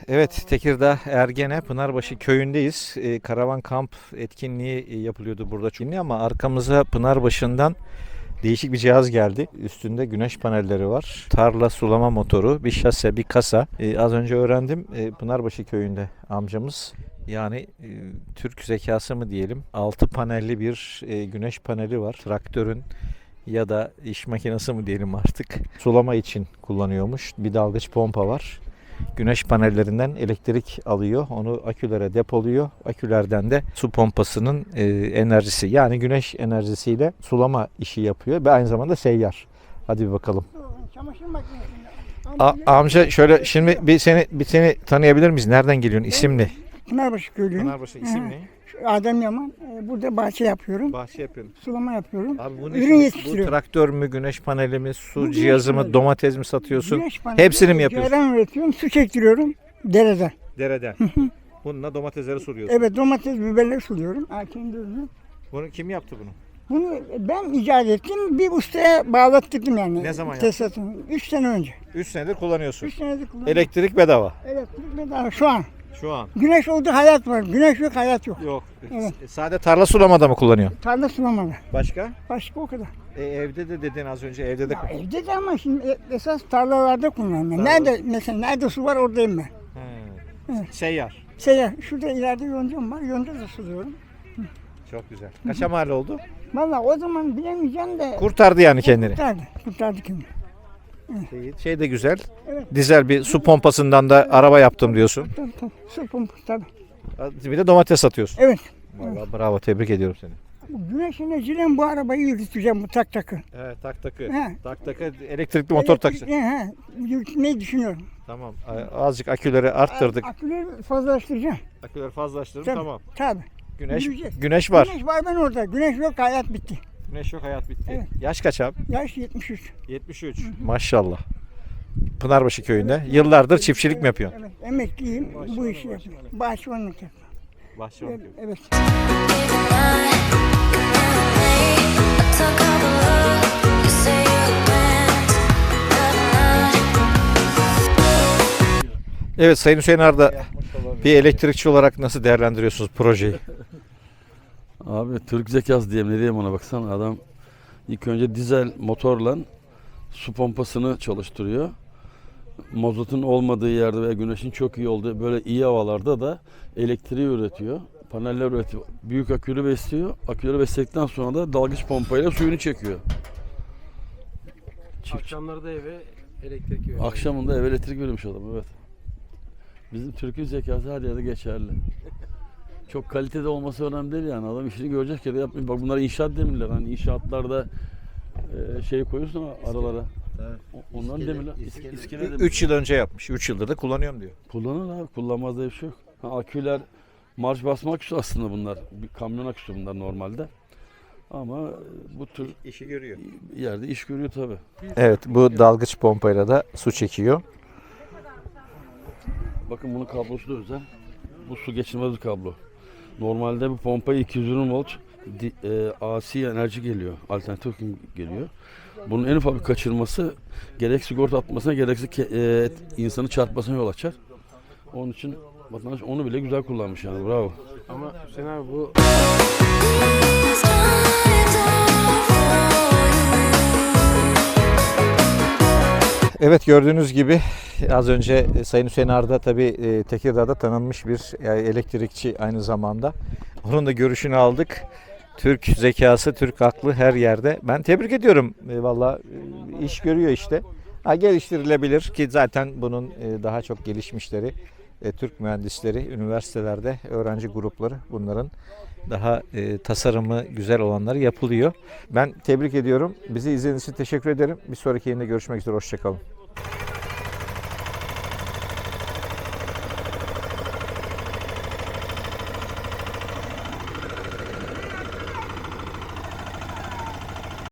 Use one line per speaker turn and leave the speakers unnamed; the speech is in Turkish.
Evet, Tekirdağ Ergene Pınarbaşı köyündeyiz. Karavan kamp etkinliği yapılıyordu burada çünkü ama arkamıza Pınarbaşı'ndan değişik bir cihaz geldi. Üstünde güneş panelleri var. Tarla sulama motoru, bir şase, bir kasa. Az önce öğrendim Pınarbaşı köyünde amcamız. Yani Türk zekası mı diyelim. 6 panelli bir güneş paneli var. Traktörün ya da iş makinesi mi diyelim artık. Sulama için kullanıyormuş. Bir dalgıç pompa var. Güneş panellerinden elektrik alıyor. Onu akülere depoluyor. Akülerden de su pompasının enerjisi, yani güneş enerjisiyle sulama işi yapıyor ve aynı zamanda seyyar. Hadi bir bakalım.
Çamaşır makinesinde.
Amca şöyle şimdi bir seni tanıyabilir miyiz? Nereden geliyorsun? İsim ne?
Pınarbaşı köylüyüm.
Pınarbaşı isim ne?
Adem Yaman. Burada bahçe yapıyorum.
Bahçe yapıyorsun.
Sulama yapıyorum.
Abi bu
Ürün
ne? Bu
yetiştiriyorum.
traktör mü, güneş paneli mi, su
Bu güneş
cihazı mı,
paneli.
domates mi satıyorsun?
Güneş paneli,
Hepsini mi yapıyorsun?
ceyran üretiyorum. Su çektiriyorum dereden.
Dereden. Bununla domatesleri suluyorsun.
Evet, domates, biberleri suluyorum. Kendi ürünüm.
Bunu kim yaptı bunu?
Bunu ben icat ettim. Bir ustaya bağlattırdım yani.
Ne zaman yaptın?
Tesisatını. 3 sene önce.
3 senedir kullanıyorsun.
3 senedir kullanıyorum.
Elektrik bedava.
Elektrik bedava şu an.
Şu an.
Güneş oldu, hayat var. Güneş yok, hayat yok.
Yok.
Evet.
Sade tarla sulamada mı kullanıyorsun?
Tarla sulamalı.
Başka?
Başka o kadar.
Evde de dedin az önce, evde de.
Ya evde de ama şimdi esas tarlalarda kullanıyorum.
Tarla.
Nerede mesela nerede su var oradayım ben.
He. Seyyar.
Şurada ileride yoncam var. Yonca da suluyorum.
Çok güzel. Kaça mal oldu?
Vallahi o zaman bilemeyeceğim de
Kurtardı yani kendini.
kurtardı kendini.
Şey de güzel.
Evet.
Dizel bir su pompasından da araba yaptım diyorsun.
Tabii. Su pompası tabii.
Bir de domates satıyorsun.
Evet.
Vallahi bravo, tebrik ediyorum seni.
Bu güneş enerjiyle bu arabayı yürüteceğim, bu takı.
Evet, takı.
He.
Tak elektrikli motor takacaksın.
Yürütmeyi düşünüyorum.
Tamam. Azıcık aküleri arttırdık.
Aküleri fazlalaştıracağım.
Aküleri fazlaştırdım,
Tabii.
tamam.
Tabii.
Güneş
Yürüyeceğiz.
güneş var.
Güneş var, ben orada. Güneş yok, hayat bitti.
Güneş yok, hayat bitti.
Evet.
Yaş kaç abi?
Yaş 73.
73. Maşallah. Pınarbaşı köyünde. Yıllardır çiftçilik mi yapıyorsun?
Evet, emekliyim. Bu işi yapıyorum. Bahçıvanlık yapıyorum.
Bahçıvanlık.
Evet.
Evet Sayın Hüseyin Arda, bir elektrikçi olarak nasıl değerlendiriyorsunuz projeyi?
Abi Türk zekası diyeyim, ne diyeyim ona, baksana adam ilk önce dizel motorla su pompasını çalıştırıyor. Mazotun olmadığı yerde ve güneşin çok iyi olduğu böyle iyi havalarda da elektriği üretiyor. Paneller üretiyor. Büyük akülü besliyor. Aküleri besledikten sonra da dalgıç pompayla suyunu çekiyor.
Akşamları da eve elektrik veriyor.
Akşamında eve elektrik veriyormuş adam, evet. Bizim Türk'ün zekası her yerde geçerli. Çok kalitede olması önemli değil yani. Adam işini görecek ya da yapmıyor. Bak bunlar inşaat demirler. Hani inşaatlarda şey koyuyorsun aralara.
Evet.
Onların demirler. İskele demirler.
3 yıl önce yapmış. 3 yıldır da kullanıyorum diyor.
Kullanır abi. Kullanmaz diye bir şey yok. Aküler marş basma aküsü aslında bunlar. Bir kamyon aküsü bunlar normalde. Ama bu tür
İşi görüyor.
yerde iş görüyor tabii.
Evet, bu dalgıç pompayla da su çekiyor.
Bakın bunun kablosu da özel. Bu su geçirmez bir kablo. Normalde bu pompaya 220 volt AC enerji geliyor. Alternatif geliyor. Bunun en ufak bir kaçırması gerek sigorta atmasına gerekse insanı çarpmasına yol açar. Onun için vatandaş onu bile güzel kullanmış yani, bravo.
Ama Hüseyin abi bu
Evet, gördüğünüz gibi az önce Sayın Hüseyin Arda tabii Tekirdağ'da tanınmış bir elektrikçi aynı zamanda. Onun da görüşünü aldık. Türk zekası, Türk aklı her yerde. Ben tebrik ediyorum. Valla iş görüyor işte. Geliştirilebilir ki zaten bunun daha çok gelişmişleri Türk mühendisleri, üniversitelerde öğrenci grupları, bunların daha tasarımı güzel olanları yapılıyor. Ben tebrik ediyorum. Bizi izlediğiniz için teşekkür ederim. Bir sonraki yayında görüşmek üzere. Hoşça kalın.